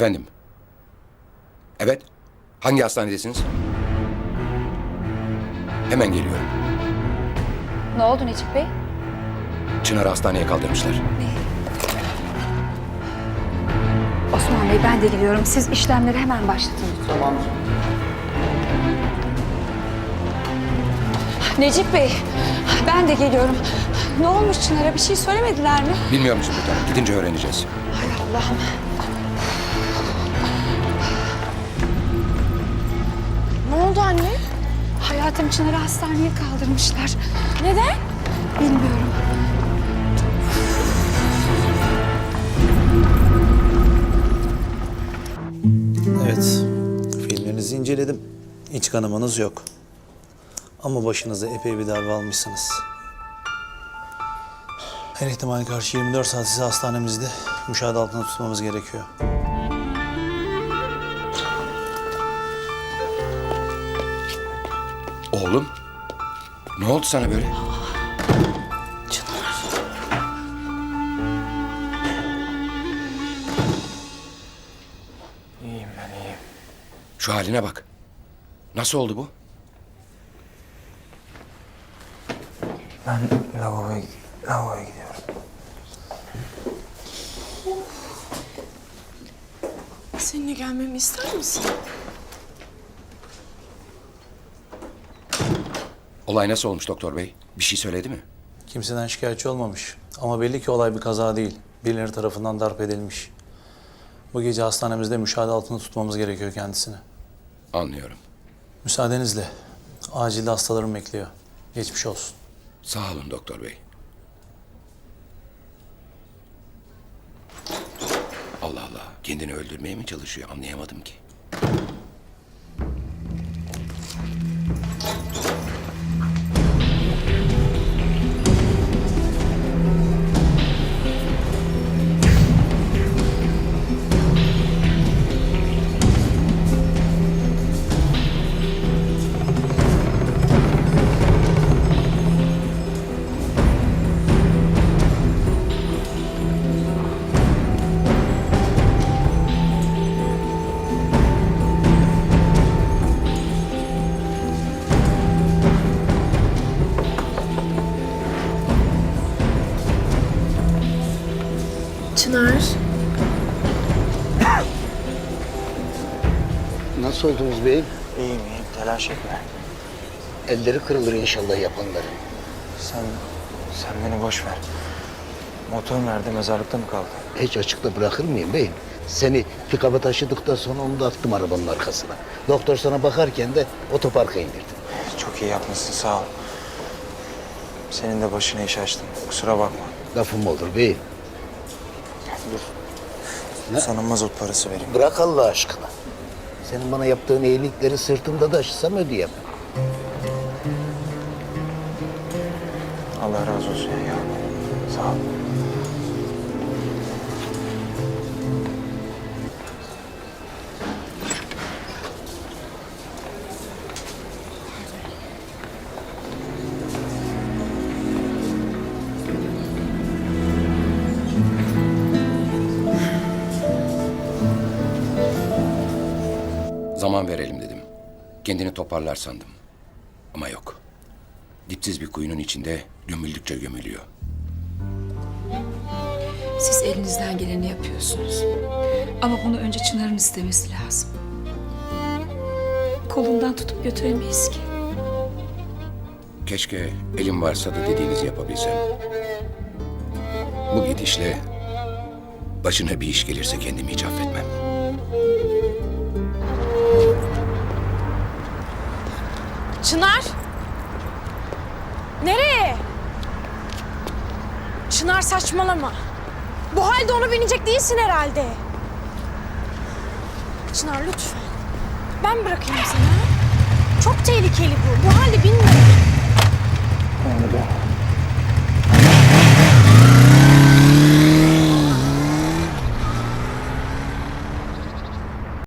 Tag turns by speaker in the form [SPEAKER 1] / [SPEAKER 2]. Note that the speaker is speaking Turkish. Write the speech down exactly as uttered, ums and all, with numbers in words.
[SPEAKER 1] Efendim? Evet. Hangi hastanedesiniz? Hemen geliyorum.
[SPEAKER 2] Ne oldu Necip Bey?
[SPEAKER 1] Çınar'ı hastaneye kaldırmışlar.
[SPEAKER 2] Osman Bey ben de geliyorum. Siz işlemleri hemen başlatın lütfen.
[SPEAKER 3] Tamam.
[SPEAKER 2] Necip Bey ben de geliyorum. Ne olmuş Çınar'a, bir şey söylemediler mi?
[SPEAKER 1] Bilmiyor musun sultanım? Gidince öğreneceğiz.
[SPEAKER 2] Hay Allah'ım.
[SPEAKER 4] Ne oldu anne?
[SPEAKER 2] Hayatım Çınar'ı hastaneye kaldırmışlar.
[SPEAKER 4] Neden?
[SPEAKER 2] Bilmiyorum.
[SPEAKER 3] Evet, filmlerinizi inceledim. İç kanamanız yok. Ama başınıza epey bir darbe almışsınız. Her ihtimale karşı yirmi dört saat sizi hastanemizde müşahede altında tutmamız gerekiyor.
[SPEAKER 1] Oğlum, ne oldu sana böyle?
[SPEAKER 5] İyiyim ben iyiyim.
[SPEAKER 1] Şu haline bak. Nasıl oldu bu?
[SPEAKER 5] Ben lavaboya, lavaboya gidiyorum.
[SPEAKER 4] Seninle gelmemi ister misin?
[SPEAKER 1] Olay nasıl olmuş doktor bey? Bir şey söyledi mi?
[SPEAKER 3] Kimseden şikayetçi olmamış. Ama belli ki olay bir kaza değil. Birileri tarafından darp edilmiş. Bu gece hastanemizde müşahede altında tutmamız gerekiyor kendisini.
[SPEAKER 1] Anlıyorum.
[SPEAKER 3] Müsaadenizle. Acilde hastalarım bekliyor. Geçmiş olsun.
[SPEAKER 1] Sağ olun doktor bey. Allah Allah. Kendini öldürmeye mi çalışıyor? Anlayamadım ki.
[SPEAKER 4] Çınar.
[SPEAKER 6] Nasıl oldunuz beyim?
[SPEAKER 5] İyiyim iyiyim telaş etme.
[SPEAKER 6] Elleri kırılır inşallah yapanların.
[SPEAKER 5] Sen, sen beni boş ver. Motor nerede, mezarlıkta mı kaldı?
[SPEAKER 6] Hiç açıkta bırakır mıyım beyim? Seni pikaba taşıdıktan sonra onu da attım arabanın arkasına. Doktor sana bakarken de otoparka indirdim.
[SPEAKER 5] Çok iyi yapmışsın sağ ol. Senin de başına iş açtım. Kusura bakma.
[SPEAKER 6] Lafım olur beyim.
[SPEAKER 5] Dur. Sana mazot parası vereyim.
[SPEAKER 6] Bırak Allah aşkına. Senin bana yaptığın iyilikleri sırtımda taşısam ödeyemem.
[SPEAKER 5] Allah razı olsun ya. Sağ ol.
[SPEAKER 1] Zaman verelim dedim. Kendini toparlar sandım. Ama yok. Dipsiz bir kuyunun içinde gömüldükçe gömülüyor.
[SPEAKER 2] Siz elinizden geleni yapıyorsunuz. Ama bunu önce Çınar'ın istemesi lazım. Kolundan tutup götüremeyiz ki.
[SPEAKER 1] Keşke elim varsa da dediğinizi yapabilsem. Bu gidişle başına bir iş gelirse kendimi hiç affetmem.
[SPEAKER 4] Çınar. Nereye? Çınar saçmalama. Bu halde ona binecek değilsin herhalde. Çınar lütfen. Ben bırakayım seni. Ha? Çok tehlikeli bu. Bu halde binme.
[SPEAKER 5] Ben de